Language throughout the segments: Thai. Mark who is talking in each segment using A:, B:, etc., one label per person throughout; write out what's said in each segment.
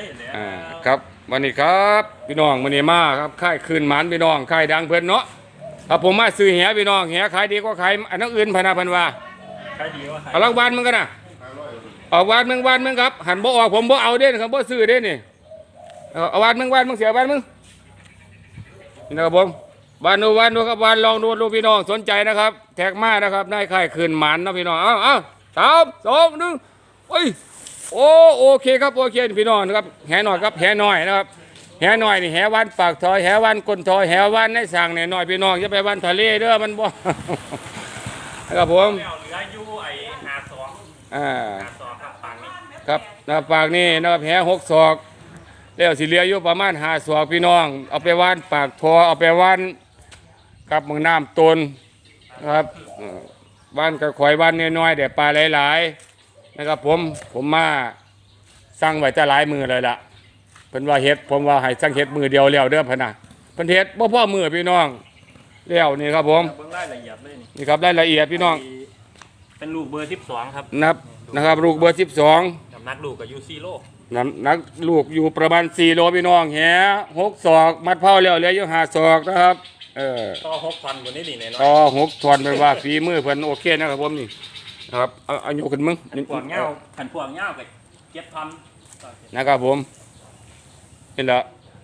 A: ครับวันนี้ครับพี่น้องวันนี้มาครับค่ายคืนหมันพี่น้องค่ายดังเพิ่นเนาะครับผมมาซื้อแหพี่น้องแหขายดีกว่าขายอันนั้นอื่นพนาพันว่า
B: ขายดีกว่าขาย
A: เอารางวัลมึงกันนะเอาวันมึงครับหันบ่ออกผมบ่เอาเด่นครับบ่ซื้อเด่นนี่เอาวันมึงเสียวันมึงนี่นะครับผมวันดูครับวันลองดูพี่น้องสนใจนะครับแท็กมานะครับนายค่ายคืนหมันนะพี่น้องเอา3 2 1โอ้ยโอเคครับโอเคพี่น้องนะครับแหหน่อยครับแหหน่อยนะครับแหหน่อยนี่แหวันปากทอยแหวันก้นทอยแหวันในสั่งเนี่ยหน่อยพี่น้องจะไปวันทะเลเด้อมันบ่นะครับผม
B: เหลืออยู่ไอ้52ครับปางนี้
A: ครับนะปากนี่นะครับแห6 ศอกแล้วสิเหลืออยู่ประมาณ5 ศอกพี่น้องเอาไปวันปากทอเอาไปวันกับเมืองน้ำตนนะครับวันกระข่อยวันน้อยๆเดี๋ยวปลาหลายๆนะครับผมมาสั่งไว้จะหลายมือเลยล่ะเพิ่นว่าเฮ็ดผมว่าให้สั่งเฮ็ดมือเดียวแล้วเด้อพะนะเพิ่นเฮ็ดบ่พอมือพี่น้องแล้วนี่ครับผม
B: เบิ่งรายละเอียดเลย
A: นี่ครับรายละเอียดพี่น้อง
B: เป็นลูกเบอร์12ครับ
A: นะครับลูกเบอร์12
B: น้ำหนักลูกก็อยู่4โล
A: นักลูกอยู่ประมาณ4 โลพี่น้องแห6 ศอกมัดเผาแล้วเหลืออยู่5 ศอกนะครับ
B: ต่อ6 ท่อนบนนี้นี่แน่นอน
A: ต่อ6 ท่อนเป็นว่าฝีมือเพิ่นโอเคนะครับผมนี่นะครับเอายกขึ้นมึง
B: พวกเงาขันพวกเงาไป7 ท่อน
A: นะครับผมนี่แหละ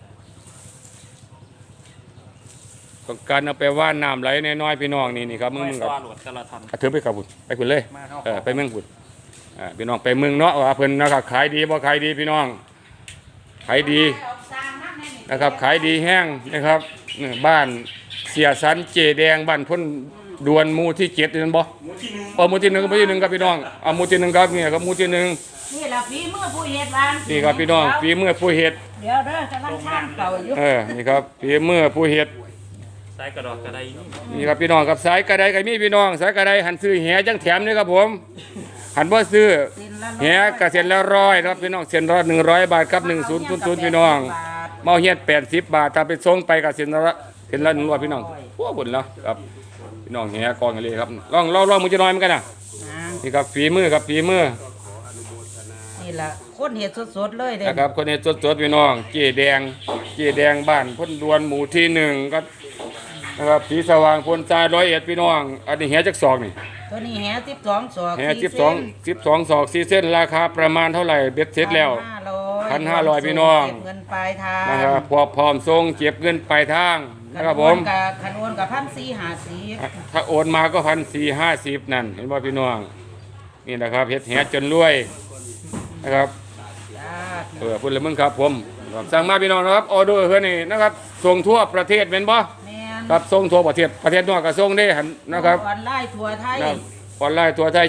A: ต้องการเอาไปว่านน้ำไหลน้อยๆพี่น้องนี่ครับมึงครับถือไปครับไปคุณเลยไปมึงคุณพี่น้องไปมึงเนาะว่าเพิ่นนะครับขายดีบ่ขายดีพี่น้องขายดีนะครับขายดีแห้งนะครับบ้านเสียสันเจแดงบ้านพ้นดวนมูที่7นั่นบ่มูที่1ครับพี่น้องมูที่1ครับนี่ครับมูที่1
C: นี่ล่ะฝีมือผู้เฮ็ดบ้าน
A: นี่ครับพี่น้องฝีมือผู้เฮ็ด
C: เดี๋ยวเด้อกำลังข้างเก่าอยู่
A: นี่ครับฝีมือผู้เฮ็ด
B: สายกระดอกกระได
A: นี่ครับพี่น้องครับสายกระไดก็มีพี่น้องสายกระไดหันซื้อแหจังแถมนี่ครับผมหันบ่ซื้อแหกระเซ็นละ100ครับพี่น้องเซ็นละ100 บาทครับ1000พี่น้องเมาเฮ็ด80 บาทถ้าไปส่งไปกระเซ็นละ100พี่น้องพวกบุญแล้วครับพี่น้องแหกองกันเลยครับลองมือจะน้อยเหมือนกันนะนี่ครับฝีมือครับฝีมือ
C: นี่ล่ะคนเฮ็ดสดๆเลยเด้
A: นะครับคนเฮ็ดสดๆพี่น้องเจแดงบ้านพ้นดวนหมู่ที่1ครับนะครับสีสว่างพ้นทราย101พี่น้องอันนี้แหจักศอกนี่
C: ตัวนี้แห12 ศอก
A: แห12 ศอก4 เส้นราคาประมาณเท่าไหร่เบ็ดเสร็จแล้ว1,500พี่น้อง
C: เก็บเงินปลายทาง
A: นะครับพร้อมส่งเก็บเงินปลายทางนะครับผม
C: คันโอนกับ1,450
A: ถ้าโอนมาก็1,450นั่นเห็นบ่พี่น้องนี่นะครับเฮ็ดแหจนรวยนะครับพูดเลยมึงครับผมสั่งมาพี่น้องนะครับออเดอร์เฮือนี่นะครับส่งทั่วประเทศเป็นบ่ครับส่งทั่วประเทศนอกก็ส่งได้หันนะครับ
C: ออนไลน์ทั่วไทย
A: ออนไลน์ทั่วไทย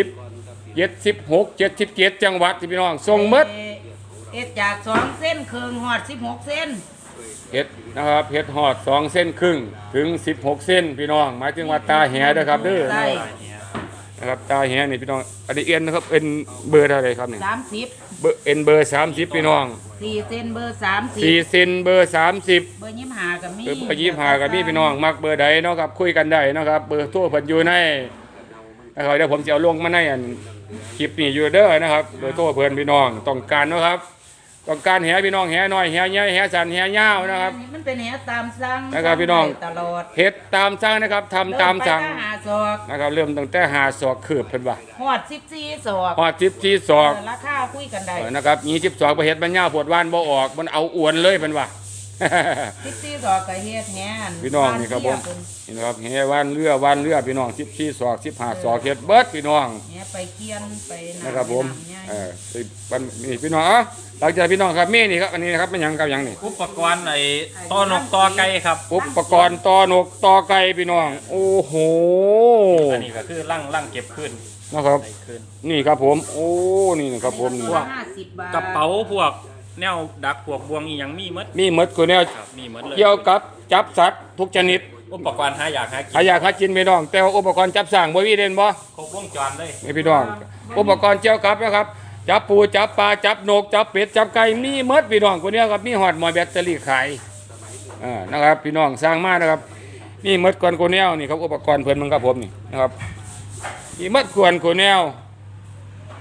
A: 76 77จังหวัดที่พี่น้องส่งหมด
C: จาก2 เส้นครึ่งฮอด16 เส้น
A: เฮ็ดนะครับเฮ็ดฮอด2 เส้นครึ่งถึง16 เส้นพี่น้องหมายถึงว่าตาแหเด้อครับเด้อนะครับตาแหนี่พี่น้องอันนี้เอ็นนะครับเอ็นเบอร์เท่าไหร่ครับนี่
C: 30
A: เบอร์เอ็นเบอร์30พี่น้อง
C: 4 เส้นเบอร์30
A: 4 เส้นเบอร์30
C: เบอร์25ก็มี
A: เบอร์25ก็มีพี่น้องมักเบอร์ใดเนาะครับคุยกันได้เนาะครับเบอร์โทรเพิ่นอยู่ในนะครับเดี๋ยวผมจะเอาลงมาในคลิปนี้อยู่เด้อนะครับเบอร์โทรเพิ่นพี่น้องต้องการเนาะครับต้องการแหพี่น้องแหน้อยแหใหญ่แหสั้นแหยาวนะครับ
C: มันเป็นแหตามสั่ง
A: นะครับพี่น้อง
C: ตลอด
A: เฮ็ดตามสั่งนะครับทำตามสั่งนะครับเริ่มตั้งแต่5 ศอกคืบเพิ่นว่า
C: ฮอด14 ศอก
A: ฮอด14 ศอก
C: ราคาคุยกันได้
A: นะครับ20 ศอกบ่เฮ็ดมันยาวปวดว่านบ่ออกมันเอาอวนเลยเพิ่นว่า
C: 14 ศอกก็เฮ็ดแห
A: พี่น้องนี่ครับผมนี่นะครับแหว่านเรือพี่น้อง14 ศอก15 ศอกเฮ็ดเบิดพี่น้อง
C: แหไปเคียนไป
A: นะครับผมนี่พี่น้องหลังจากพี่น้องครับมีนี่ครับอันนี้นะครับเป็นหยังครับหยังนี่
B: อุปกรณ์ไอ้ต้อนกตอไก่ครับ
A: อุปกรณ์ต้อนกตอไก่พี่น้องโอ้โห
B: อันนี้ก็คือลั่งเก็บขึ้น
A: นะครับนี่ครับผมโอ้นี่นะครับผม
C: พวก
B: กระเป๋าพวกแนวดักพวกบวงอีหยังมี
A: หมดคือแนวเกี่ยวกับจับสัตว์ทุกชนิด
B: อุปกรณ์หาอยาก
A: หากินพี่น้องแต่ว่าอุปกรณ์จับสร้างบ่มีเด่นบ่
B: ครบวงจรเลย
A: นี่พี่น้องอุปกรณ์เกี่ยวกับนะครับจับปูจับปลาจับนกจับเป็ดจับไก่มีหมดพี่น้องคนนี้ครับมีหอดหมอยแบตเตอรี่ขายนะครับพี่น้องสร้างมานะครับนี่หมดกวนโคแนวนี่ครับอุปกรณ์เพิ่นมันครับผมนี่นะครับมีหมดกวนโคแนว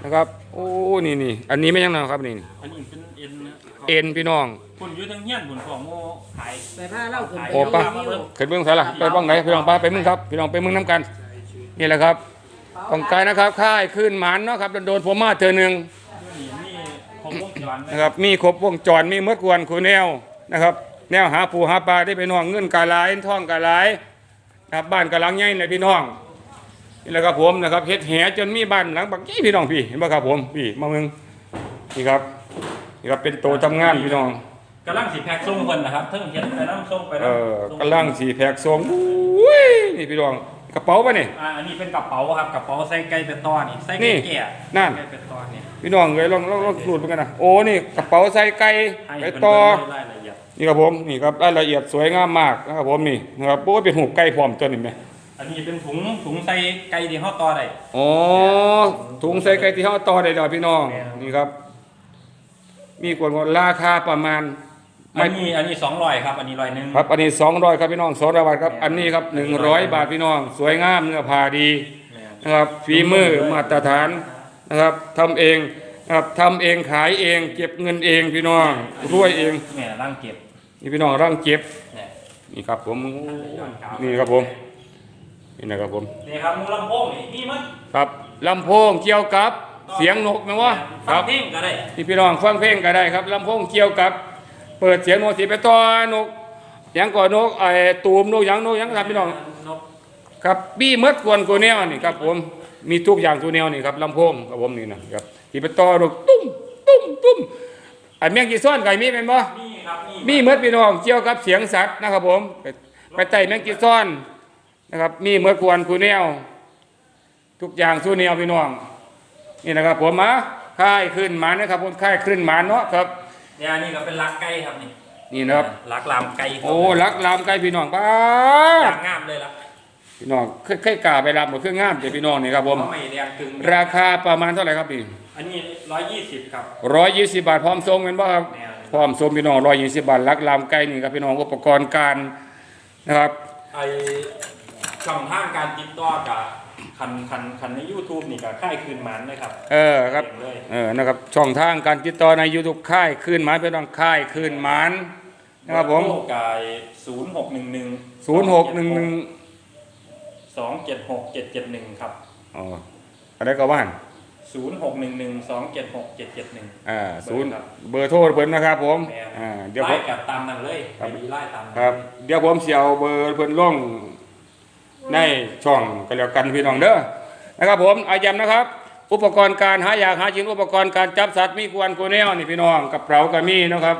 A: นะครับโอ้นี่อันนี้ไม่ยังนะครับนี่
B: อันนี้เป็นเอ็นนะ
A: เอ็นพี่น้อง
B: คุณอยู่ทั้งเฮียนคุณของโมขาย
C: ไปพาเล่าขึ้นไป
A: โอ้ปะ
C: รีวิว
A: ขึ้นเบื้องใส่ละไปบ้างไหนพี่น้องไปมึงครับพี่น้องไปมึงน้ำกันนี่แหละครับต้องการนะครับค่ายขึ้นหมันเนาะครับโดนผมมาเธอหนึ่ง
B: นี่ของวงจร
A: นะครับมีครบวงจรมีเมื่อกวนคูแนวนะครับแนวหาปูหาปลาได้ไปน้องเงินกาหลายท่องกาหลายนะครับบ้านกาหลังใหญ่เลยพี่น้องนี่แหละครับผมนะครับเฮ็ดแหจนมีบ้านหลังบักยี่พี่น้องพี่เห็นป่ะครับผมพี่มาเมืองนี่ครับเป็นโตทำงานพี่น้อง
B: กำลังสีแพ็กส่งคนนะครับเพิ่งเห็นไปน้ำส่งไปแล้ว
A: กำลังสีแพกทรงอุ้ยนี่พี่น้องกระเป๋าป่ะนี่
B: อันนี้เป็นกระเป๋าครับกระเป๋าใส่ไก่เป็นตอนี่ใส่ไก่แก่
A: นั่น
B: ไก่เป็นตอนี่
A: พี่น้องเลยลองสูตรเหมือนกันนะโอ้นี่กระเป๋าใส่ไก่
B: ให้
A: ไป
B: เป็น
A: ต่อ
B: รายละเอียด
A: นี่ครับผมนี่ครับรายละเอียดสวยงามมากนะครับผมนี่นะครับโอ้เป็นหูไก่พร้อมตัวนี่ไหม
B: อันนี้เป็นถุงใส่ไก่ที่ห่อต่อได้
A: อ๋อถุงใส่ไก่ที่เขาต่อได้ดอกพี่น้องนี่ครับ มีกวนราคาประมาณ
B: อันนี้200ครับอันนี้100
A: ครับอันนี้200ครับพี่น้อง200 บาทครับอันนี้ครับ100 บาทพี่น้อง สวยงามเนื้อผ้าดีนะครับฝีมือมาตรฐานนะครับทำเองนะครับทำเองขายเองเก็บเงินเองพี่น้องรวยเอง
B: แม่ร่างเก็บ
A: นี่พี่น้องร่างเก็บ
B: เนี่ย
A: นี่ครับผมนี่ครับผมนี่นะครับผม
B: นี่ครับมูลำโพงนี่มัน
A: ครับลำโพงเกี่ยวกับเสียงนกนะวะค
B: ฟั
A: รั
B: ง
A: บ
B: เพลงก็ได้
A: ที่พี่น้องฟังเพลงก็ได้ครับลำโพงเกี่ยวกับเปิดเสียงนกสีไปต่อนกหยังก่อนนกไอ้ตูมนกหยังครับพี่น้อง
B: นก
A: ครับบี้มดกวนกูแนวนี่ครับผมมีทุกอย่างตัวแนวนี่ครับลำโพงครับผมนี่นะครับที่ไปต่อนกตุ้มไอ้แมงกีซ้อนไก่มีเป็นบ่
B: นี่ครับ
A: มีมดพี่น้องเกี่ยวกับเสียงสัตว์นะครับผมไปไต่แมงกีซ้อนนะครับมีมดกวนกูแนวทุกอย่างสู้แนวพี่น้องนี่นะครับผมมาค่ายขึ้นหมานะครับผมค่ายขึ้นหมาเนาะครับ
B: เนี่ยนี่ก็เป็นลักไก่ครับนี่
A: นี่นะครับ
B: ลักลามไก่
A: โอ้รักลามไก่พี่น้องป้า
B: อย่างงามเลยล่ะ
A: พี่น้องเคยกล้าไปรับหมดเครื่องงามเดี๋ยวพี่น้องนี่ครับผม
B: ไม่แรงกึ่ง
A: ราคาประมาณเท่าไหร่ครับพี่
B: อันนี้120ครับ
A: 120 บาทพร้อมส่งเป็นบ่ครับ
B: แนว
A: พร้อมส่งพี่น้อง120 บาทรักลามไก่นี่ครับพี่น้องอุปกรณ์การนะครับ
B: ไอช่องทางการติดต่อกับคันใน YouTube นี่ก็ค่ายคืนหมันเลยครับ
A: ครับ
B: เลย
A: นะครับช่องทางการติดต่อใน YouTube ค่ายคืนหมานพี่น้องค่ายคืนหมานนะครับผม
B: กาย0611 276 771ครับ
A: อ๋ออะไรก็ว่าน
B: 0611 276 771
A: ศูนย์เบอร์โทรเพิ่นนะครับผมเดี๋ยวผ
B: ไล่
A: ม
B: กับตามนั้นเลยไปดีไล่ตามนั้น
A: ครับเดี๋ยวผมเสียวเบอร์เพิ่นลงในช่องก็แล้วกันพี่น้องเด้อนะครับผมอาย้ำนะครับ อุปกรณ์การหาอยากหากินอุปกรณ์การจับสัตว์มีกวนกูแนวนี่พี่น้องกับเป๋าก็มีนะครับ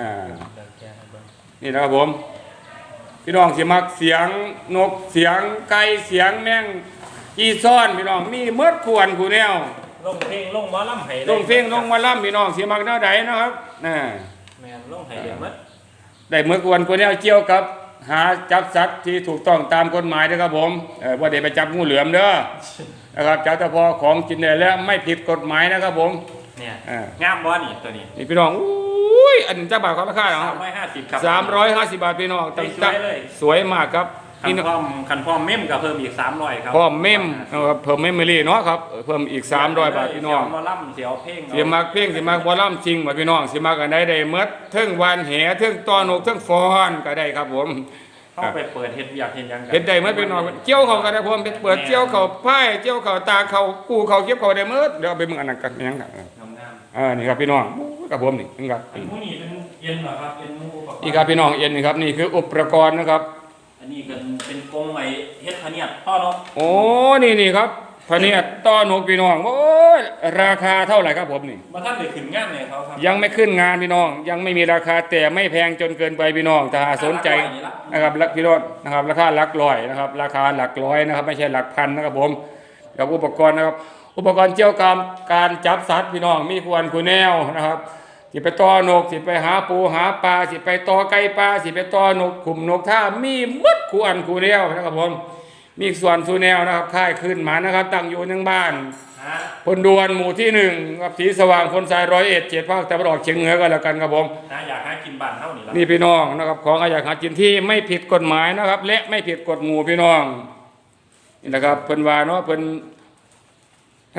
A: นี่นะครับผมพี่น้องสิมักเสียงนกเสียงไก่เสียงแมงกีซ้อนพี่น้องมีเมดกวนกูแนว
B: ลงเพลงลงหมอลำไห้
A: ลงเพลงลงมาล่ำพี่น้องสิมักแนวใดนะครับ
B: แมนลงไห้เด็ดมัด
A: ได้เมื่อกวนกูแนวเกี่ยวกับหาจับสัตว์ที่ถูกต้องตามกฎหมายนะครับผมว่าเดี๋ยวไปจับงูเหลือมเด้อนะครับจับแต่พอของกินได้แล้วไม่ผิดกฎหมายนะครับผม
B: เนี่ยงามบอนี่ตัวนี้
A: นี่พี่น้องอุ้ยอันเจ้าบ่าวเขาราคาเหรอครับ
B: 350ครับ
A: 350 บาทพี่น้อง
B: สวยเลย
A: สวยมากครับ
B: คันพร้อมเมมก็เพิ่มอีก300ครับ
A: พร้อมเมมนะครับเพิ่มเมมโมรี่เนาะครับเพิ่มอีก300 บาทพี่น้อง
B: เสียวหมอลำเสียวเพลง
A: เสียมักเพลงสิมักบ่ล่ำจริงบ่พี่น้องสิมักอันใดได้เมดเทิงวานแหเทิงตอนกเทิงฟอนก็ได้ครับผม
B: เข้าไปเปิดเฮ็ดอยากเห็นยัง
A: เฮ็ดได้เมดพี่น้องเกี่ยวเขาก็ได้ผมเปิดเกี่ยวเขาไผ่เกี่ยวเขาตาเขากูเขาเก็บเขาได้เมดเดี๋ยวเอาไปมึงอันนั้นกันยังครับ
B: งาม
A: นี่ครับพี่น้องกับผมนี่ครับ
B: ๆอันนี้เป็นเย็นเหรอครับเป็นมูอุปกรณ์
A: นี่ครับพี่น้องเอ็นนี่ครับนี่คืออุปกรณ์นะครับ
B: อันนี้เป็นกรงไอ้เฮ็ดพะเนียดพ่อเนาะ
A: โอ้นี่ครับพะเนียดต้อนกพี่น้องโอ้ยราคาเท่าไหร่ครับผมนี่
B: มาท่านได้ขึ้นงานเลยเขาครับ
A: ยังไม่ขึ้นงานพี่น้อง ยังไม่มีราคาแต่ไม่แพงจนเกินไปพี่น้องถ้าหากสนใจนะครับพี่น้องนะครับราคาหลักร้อยนะครับราคาหลักร้อยนะครับไม่ใช่หลักพันนะครับผมกับอุปกรณ์นะครับอุปกรณ์เกี่ยวกับการจับสัตว์พี่น้องมีควรคูแนวนะครับสิไปต่อนกสิไปหาปูหาปลาสิไปต่อไก่ปลาสิไปต่อนกขุมนกท่ามีหมดควรคูแนวนะครับผมมีส่วนสูแนวนะครับค่ายขึ้นหมานะครับตั้งอยู่ในบ้านพลดวนหมู่ที่1ครับสีสว่างพลทราย101 7ภาคตะวันออกเฉียงเหนือก็แล้วกันครับผม
B: อยากหากินบ้านเท่านี้ละ
A: นี่พี่น้องนะครับของอยากหากินที่ไม่ผิดกฎหมายนะครับ และไม่ผิดกฎหมู่พี่น้องนี่นะครับเพิ่นว่าเนาะเพิ่นนะครับ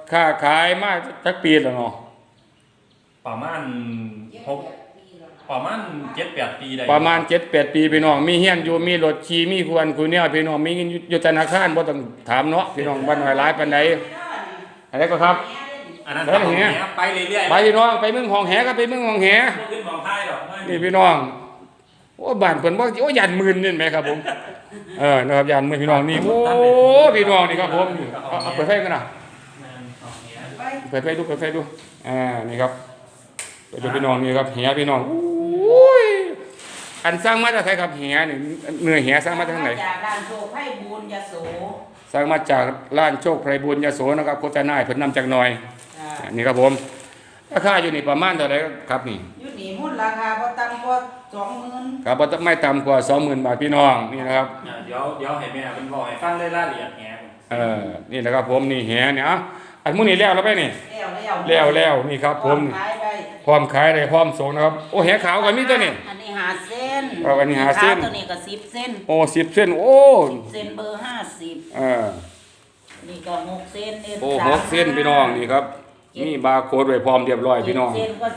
A: ค้าขายมาจักปีแล้วเนาะ
B: ประมาณประมาณ7-8 ปีได้
A: ประมาณ 7-8 ปีพี่น้องมีเฮียนอยู่มีรถขี่มีควรคุยแนวพี่น้องมีเงินอยู่ธนาคารบ่ต้องถามเนาะพี่น้องบ้านน้อยหลายปานใดอะไรก็ครับ
B: อันนั้น
A: แล้วอย่างเงี้ย
B: ไปเรื่อยๆ
A: ไปพี่น้องไปเมืองหองแหก็ไปเมืองหองแห
B: บ่ขึ้นมองท้ายดอก
A: นี่พี่น้องโอ้บ้านเพิ่นบ่โอ้ยันหมื่นนี่แหมครับผมนะครับยันหมื่นพี่น้องนี่โอ้พี่น้องนี่ครับผมเอาเปิดไฟกันน่ะเปิดไฟดูนี่ครับไปดูพี่น้องนี่ครับแหพี่น้องโอ้ยอันสร้างมาจากไสครับแหนี่เนื้อแหสร้างมาจากทางไหน
C: จากด้านโชคไพ่บุญยโส
A: สร้างมาจากร้านโชคไพรบุญยโสนะครับโฆษณาให้เพิ่นนำจากหน่อย
C: จ้า
A: นี่ครับผมราคาอยู่นี่ประมาณเท่าไหร่ครับนี่
C: อยู่นี่หุ้นราคาบ่ต่ำกว่า20,000
A: ครับบ่ไม่ต่ำกว่า 20,000 บาทพี่น้องนี่นะครับ
B: เดี๋ยวให้แม่เพิ่นบอกให้ฟังรายละเอียดแหง
A: นี่นะครับผมนี่แหเนี่ยอันมื้อนี้แล้วไปนี่ แล้วนี่ครับผม
C: ขายได้
A: พร้อมขายได้พร้อมส่งนะครับโอ้แหขาวก็มีตัวนี่
C: อันนี้5เส้น
A: อันนี้5เส้น
C: ตัวนี้ก็10เส้น
A: โอ้10เส้นโอ้
C: เส้นเบอร์50
A: เออ
C: นี่ก็6เส้นเอ็น
A: โอ้6เส้นพี่น้องนี่ครับมีบาร์โค้ดไว้พร้อมเรียบร้อยพี่น้อง
C: 7เส้นก็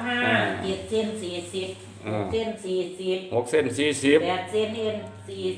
C: 35 7เส้น40 6เส้น40
A: 6เส้น40
C: 8เส้นเอ็น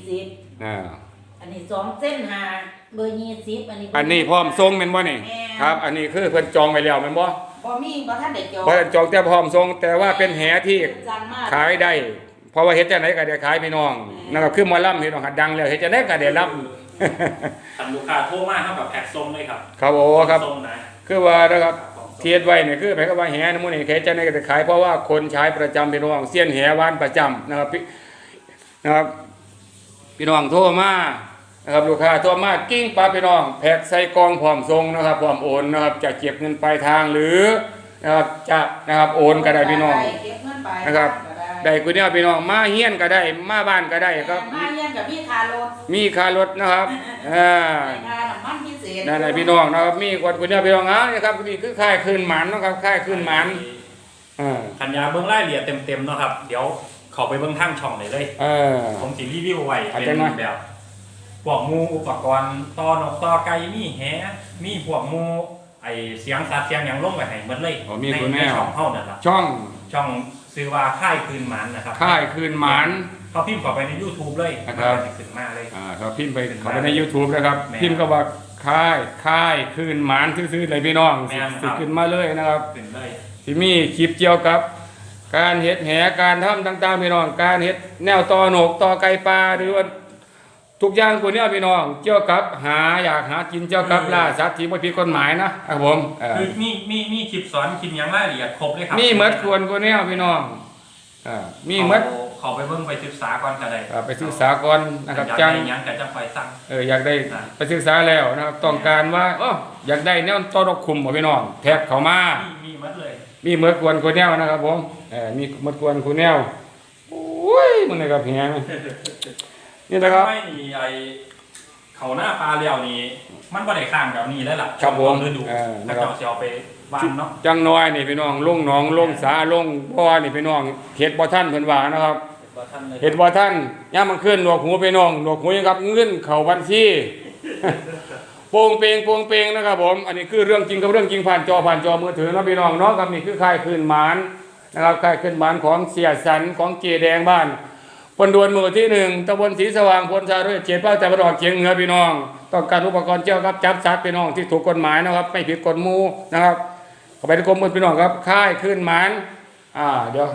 C: 40
A: อ่า
C: อันนี้2เส้น5เบอร์20อันนี้
A: อันนี้พร้อมส่งแม่นบ่นี่
C: แม่น
A: ครับ อันนี้คือเพิ่นจองไว้แล้วแม่นบ่
C: บ่ทันได้จอง
A: บ่ได้จองแต่พร้อมส่งแต่ว่าเป็นแหที่
C: สั่งมา
A: ขายได้เพราะว่าเฮ็ดจังไดก็ได้ขายพี่น้องนะครับคือหมอลำพี่น้องหัดดังแล้วเฮ็ดจังไดก็ได้รับ
B: ทำลูกค้าโทรมาเท่ากับแพ็คส่งเลยครับ
A: ครับโอ้ครับ
B: ส่งนะ
A: คือว่านะครับเทียดไว้เนี่ยคือหมายความว่าแหนมื้อนี้เฮ็ดจังไดก็ได้ขายเพราะว่าคนใช้ประจำพี่น้องเซียนแหวานประจำนะครับนะครับพี่น้องโทรมานะครับลูกค้าโทรมากิ้งปลาพี่น้องแพ็คใส่กล่องพร้อมส่งนะครับพร้อมโอนนะครับจะเก็บเงินปลายทางหรือนะครับจะนะครับโอนก็ได้พี่น้อง
C: เก็บเงินไป
A: นะครับได้กูเนี่ยพี่น้องมาเฮียนก็ได้มาบ้านก็ได้ครับ
C: มาเรียนกับพี่คารถ
A: มีค่ารถนะครับ
C: ค่าน้ำมันพิเศษ
A: นั่นแหละพี่น้องนะครับมีกวดกูเนี่ยพี่น้องนี่ครับนี่คือค่ายคืนหมันนะครับค่ายคืนหมัน
B: ขันยาเบื้องรายละเอียดเต็มๆเนาะครับ เดี๋ยวเขาไปเบื้องทางช่องเลยผมสิรีวิวไว้เป็นแบบพวกมูอุปกรณ์ต่อนกต่อไก่มีแหมีพวกมูไอเสียงสัตว์เสียงอย่างลงไปให้หมดเลยในช่องเท่านั้นละ
A: ช่อง
B: ซื้อว่าค่ายคืนหมันนะครับ
A: ค่ายคืนหมัน
B: เขาพิมพ์เข้าไปใน YouTube เลย
A: นะครับ
B: มันจะขึ้นมาเลย
A: ครับพิมพ์ไปเข้าไปใน YouTube นะครับ
B: แม่น
A: พิมพ์ก็ว่าค่ายคืนหมันซื่อๆเลยพี่น้อง
B: แม่นครับ
A: สิขึ้นมาเลยนะครับ
B: ขึ้นเลย
A: ที่มีคลิปเกี่ยวกับ การเฮ็ดแหการทำต่างๆพี่น้องการเฮ็ดแนวต่อหนกต่อไก่ปลาหรือว่าทุกอย่างคนนี้พี่น้องเกี่ยวกับอยากหากินเกี่ยวกับล่าสัตว์ที่ไม่ผิดกฎหมายนะครับผม
B: คือมีคลิปสอนคลิปอย่างรายละเอียดครบเลยครับ
A: มีเหมือดควรคนนี้พี่น้องมีเหมือด
B: เขาไปเบิ่งไปศึกษาก่อนก็ได้
A: ไปศึกษาก่อนนะครับ
B: อยาก
A: จัง
B: ได้หยังก็จะคอยสั่ง
A: อยากได้ไปศึกษาแล้วนะครับต้องการว่าอยากได้แนวต้อนรับคุมบ่พี่น้องแท็กเข้ามา
B: มีหมดเลย
A: มีเหมือดควรคนแนวนะครับผมมีเหมือดควรคนแนวโอ้ยมันเลยครับเฮียนี่นะครับ
B: ไม่มีไอเขาหน้าปลาเลี้ยวนี่มันบ่ได้ข้างแบบนี้แล้วล่ะ
A: ครับผม
B: ฤดู
A: นะ
B: แล้ว
A: ครับ
B: เจ้าสิเอาไปวางเนาะ
A: จังน้อยนี่พี่น้องลงหนองลงสาลงบ่อนี่พี่น้องเฮ็ดบ่ทันเพิ่นว่านะครับ
B: บ่ทันเลย
A: เฮ็ดบ่ทันย่ามมันขึ้นหนวกหูพี่น้องหนวกหูยังครับเงินเข้าบัญชี โป่งเปงนะครับผมอันนี้คือเรื่องจริงกับเรื่องจริงผ่านจอมือถือเนาะพี่น้องเนาะครับนี่คือค่ายคืนหมานนะครับค่ายคืนหมานของเสียสันของเจแดงบ้านปนดวนหมู่ที่1ตำบลศรีสว่างพลชาด้วยเขตภาคตะวันออกเฉียงเหนือพี่น้องต้องการอุปกรณ์เกี่ยวกับจับสัตว์พี่น้องที่ถูกกฎหมายนะครับไม่ผิดกฎหมู่นะครับเข้าไปที่กรมพี่น้องครับค่ายคืนหมานเดี๋ยว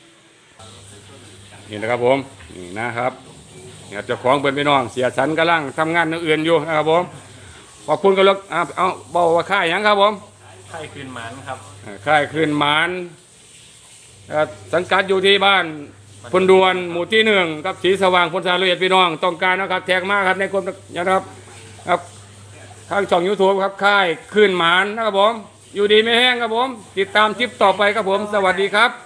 A: นี่นะครับผมนี่นะครับเนี่ยเจ้าของเป็นพี่น้องเสียสันกำลังทำงานอื่นอยู่นะครับผมขอบคุณกันแล้วเอาบอกว่าค่ายหยังครับผม
B: ค่ายคืนหมันครับ
A: ค่ายคืนหมานสังกัดอยู่ที่บ้านพลดวนหมู่ที่1ครับศรีสว่างพลชาละเอียดพี่น้องต้องการนะครับแท็กมากครับในกรมนะครับครับทางช่อง YouTube ครับค่ายคืนหมานนะครับผมอยู่ดีไม่แห้งครับผมติดตามคลิปต่อไปครับผมสวัสดีครับ